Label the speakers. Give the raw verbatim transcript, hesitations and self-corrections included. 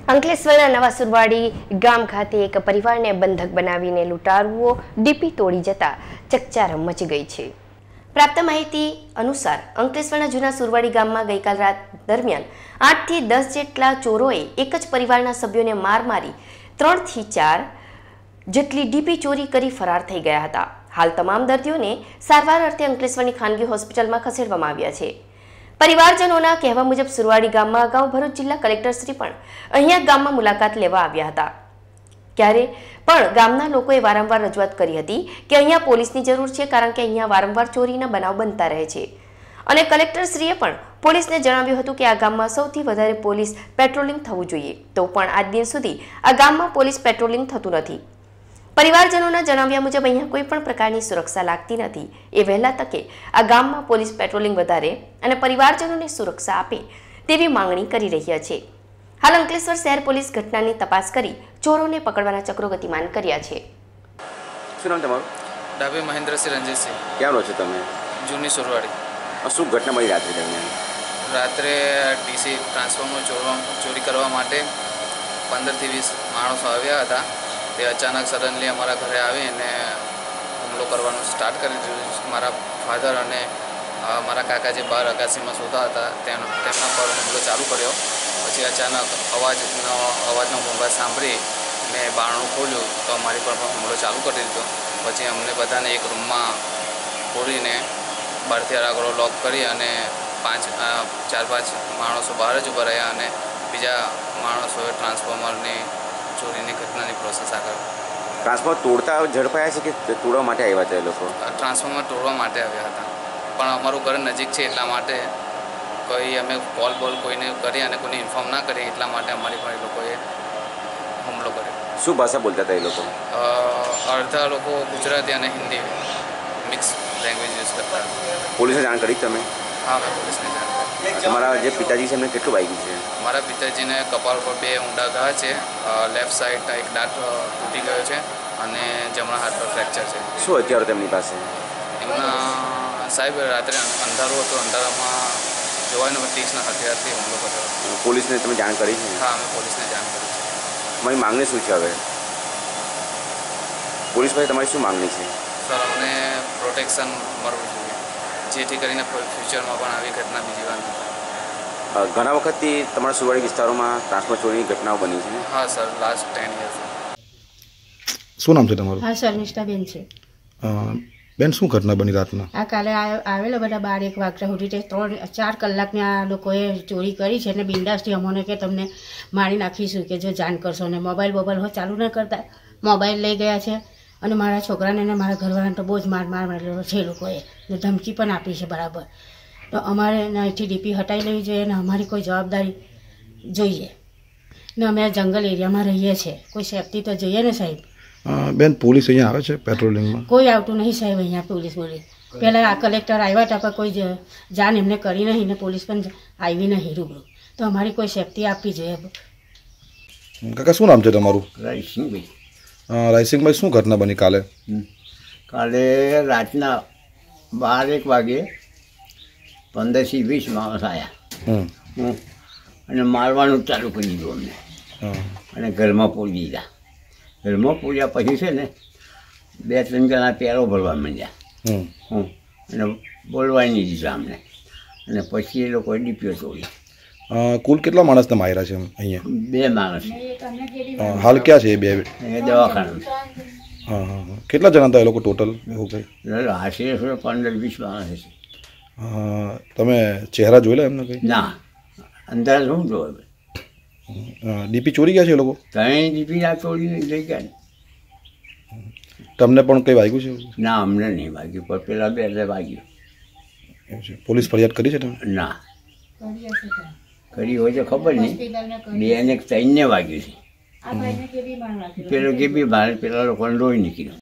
Speaker 1: અંકલેશ્વરના નવા સુરવાડી ગામ ખાતે એક પરિવારને બંધક બનાવીને લૂંટારુઓ ડીપી તોડી જતા ચકચાર મચી ગઈ છે। પ્રાપ્ત માહિતી અનુસાર અંકલેશ્વરના જૂના સુરવાડી ગામમાં ગઈકાલ રાત દરમિયાન આઠ થી દસ જેટલા ચોરોએ એક જ પરિવારના સભ્યોને માર મારી ત્રણ થી ચાર જેટલી ડીપી ચોરી કરી ફરાર થઈ ગયા હતા। હાલ તમામ દર્દીઓને સારવાર અર્થે અંકલેશ્વરની ખાનગી હોસ્પિટલમાં ખસેડવામાં આવ્યા છે। પરિવારજનોના કહેવા મુજબ સુરવાડી ગામમાં અગાઉ ભરૂચ જિલ્લા કલેક્ટર શ્રી પણ અહીંયા ગામમાં મુલાકાત લેવા આવ્યા હતા, ત્યારે પણ ગામના લોકોએ વારંવાર રજૂઆત કરી હતી કે અહીંયા પોલીસની જરૂર છે, કારણ કે અહીંયા વારંવાર ચોરીના બનાવ બનતા રહે છે અને કલેક્ટર શ્રીએ પણ પોલીસને જણાવ્યું હતું કે આ ગામમાં સૌથી વધારે પોલીસ પેટ્રોલિંગ થવું જોઈએ, તો પણ આજ દિન સુધી આ ગામમાં પોલીસ પેટ્રોલિંગ થતું નથી। પરિવારજનોના જણાવ્યા મુજબ અહીંયા કોઈ પણ પ્રકારની સુરક્ષા લાગતી નથી। એ વહેલા તકે આ ગામમાં પોલીસ પેટ્રોલિંગ વધારે અને પરિવારજનોને સુરક્ષા આપે તેવી માંગણી કરી રહ્યા છે। હાલ અંકલેશ્વર શહેર પોલીસ ઘટનાની તપાસ કરી ચોરોને પકડવાના ચક્રો ગતિમાન કર્યા છે।
Speaker 2: શું નામ તમારું?
Speaker 3: ડાભી મહેન્દ્રસિંહ રંજીતસિંહ।
Speaker 2: ક્યાં રહો છો તમે?
Speaker 3: જૂની સુરવાડી।
Speaker 2: શું ઘટના મળી રાત્રે દરમિયાન?
Speaker 3: રાત્રે ડીસી ટ્રાન્સફોર્મર ચોરી કરવા માટે પંદરથી વીસ માણસો આવ્યા હતા। તે અચાનક સડનલી અમારા ઘરે આવીને હુમલો કરવાનું સ્ટાર્ટ કરી દીધું। મારા ફાધર અને મારા કાકા જે બહાર અગાસીમાં સૂતા હતા તેમના પર હુમલો ચાલુ કર્યો। પછી અચાનક અવાજનો અવાજનો ભૂંગાટ સાંભળી મેં બારણું ખોલ્યું તો અમારી પર પણ હુમલો ચાલુ કરી દીધો। પછી અમને બધાને એક રૂમમાં પૂરીને બહારથી આગળ લોક કરી અને પાંચ ચાર પાંચ માણસો બહાર જ ઊભા રહ્યા અને બીજા માણસોએ ટ્રાન્સફોર્મરની ચોરીની ઘટનાની પ્રોસેસ આગળ
Speaker 2: ટ્રાન્સફોર્મર તોડતા ઝડપાયા છે કે તોડવા માટે આવ્યા હતા એ લોકો?
Speaker 3: ટ્રાન્સફોર્મર તોડવા માટે આવ્યા હતા, પણ અમારું ઘર નજીક છે એટલા માટે કોઈ અમે કોલ બોલ કોઈને કરી અને કોઈને ઇન્ફોર્મ ના કરીએ એટલા માટે અમારી પર એ લોકોએ હુમલો કર્યો।
Speaker 2: શું ભાષા બોલતા હતા એ લોકો?
Speaker 3: અડધા લોકો ગુજરાતી અને હિન્દી મિક્સ લેંગ્વેજ યુઝ કરતા હતા।
Speaker 2: પોલીસને જાણ કરી તમે?
Speaker 3: હા, મેં પોલીસને જાણ કરી।
Speaker 2: તમારા જે પિતાજી છે એમને કેટલું વાગ્યું છે?
Speaker 3: મારા પિતાજીને કપાળ પર બે ઊંડા ઘા છે, લેફ્ટ સાઈડ એક દાંત તૂટી ગયો છે અને જમણા હાથ પર ફ્રેક્ચર છે।
Speaker 2: શું હથિયારો તેમની પાસે?
Speaker 3: એમના સાહેબ રાત્રે અંધારું હતું, અંધારામાં જોવાનું તીક્ષ્ણ હથિયારથી હુમલો કર્યો।
Speaker 2: પોલીસને તમે જાણ કરી છે?
Speaker 3: હા, અમે પોલીસને જાણ કરી છે।
Speaker 2: તમારી માંગણી શું છે હવે? પોલીસ પાસે તમારી શું માંગણી છે?
Speaker 3: સર, અમને પ્રોટેક્શન મળવું જોઈએ, જેથી કરીને ફ્યુચરમાં પણ આવી ઘટના બીજી વાર ન થાય।
Speaker 2: ઘણા વખતથી તમારા સુરવાડી વિસ્તારોમાં ટ્રાન્સફોર્મર ચોરીની ઘટનાઓ બની છે?
Speaker 3: હા સર, લાસ્ટ ટેન યર્સ।
Speaker 4: શું નામ છે તમારું?
Speaker 5: હા શર્મિષ્ઠાબેન છે।
Speaker 4: બેન, શું ઘટના બની રાતના?
Speaker 5: આ કાલે આવેલા બધા બાર એક વાગ્યા સુધી તે ત્રણ ચાર કલાકની આ લોકોએ ચોરી કરી છે અને બિંદાસથી અમોને કે તમને મારી નાખીશું કે જો જાણ કરશો, અને મોબાઈલ બોબાઈલ ચાલુ ન કરતા મોબાઈલ લઈ ગયા છે અને મારા છોકરાને અને મારા ઘરવાળાને તો બહુ જ માર માર મારેલો છે એ લોકોએ, ને ધમકી પણ આપી છે બરાબર। તો અમારે અહીંથી ડીપી હટાવી લેવી જોઈએ અને અમારી કોઈ જવાબદારી જોઈએ, ને અમે જંગલ એરિયામાં રહીએ છીએ, કોઈ સેફટી તો જોઈએ ને સાહેબ।
Speaker 4: બેન, પોલીસ અહીંયા આવે છે પેટ્રોલિંગમાં? કોઈ
Speaker 5: આવતું નહીં સાહેબ અહીંયા પોલીસ બોલી। પહેલાં આ કલેક્ટર આવ્યા હતા પણ કોઈ જાણ એમને કરી નહીં ને પોલીસ પણ આવી નહીં રૂબરૂ, તો અમારી કોઈ સેફટી આપવી જોઈએ।
Speaker 4: કાકા, શું નામ છે તમારું?
Speaker 6: રાયસિંગભાઈ।
Speaker 4: રાયસિંગભાઈ, શું ઘટના બની કાલે?
Speaker 6: કાલે રાતના બાર એક વાગે પંદરથી વીસ માણસ આવ્યા અને મારવાનું ચાલુ કરી દીધું અમને અને ઘરમાં પૂરી દીધા। ઘરમાં પૂર્યા પછી છે ને બે ત્રણ જણા પેરો ભરવા માંડ્યા હું અને બોલવા નહીં દીધા અમને, અને પછી એ લોકોએ ડીપીઓ તોડી।
Speaker 4: કુલ કેટલા માણસને માર્યા છે અહીંયા?
Speaker 6: બે માણસ।
Speaker 4: હાલ ક્યાં છે એ બે?
Speaker 6: એ દવાખાના।
Speaker 4: હા હા કેટલા જણા હતા એ લોકો ટોટલ? એવું કંઈ
Speaker 6: આશરે પંદર વીસ માણસ હશે।
Speaker 4: તમે ચહેરા જોયેલા એમને કંઈ?
Speaker 6: ના, અંદર શું જોવે?
Speaker 4: ડીપી ચોરી ગયા છે એ લોકો?
Speaker 6: ત્યાં ડીપી આ ચોરીને લઈ ગયા ને।
Speaker 4: તમને પણ કંઈ વાગ્યું છે?
Speaker 6: ના, અમને નહીં વાગ્યું, પણ પેલા બે એટલે વાગ્યું।
Speaker 4: એવું છે? પોલીસ ફરિયાદ કરી છે તમે?
Speaker 6: ના, કરી હોય તો ખબર નહીં, બે ને ત્રણને વાગ્યું છે। પેલો કે બી બહાર પેલા લોકોને લોહી નીકળ્યું।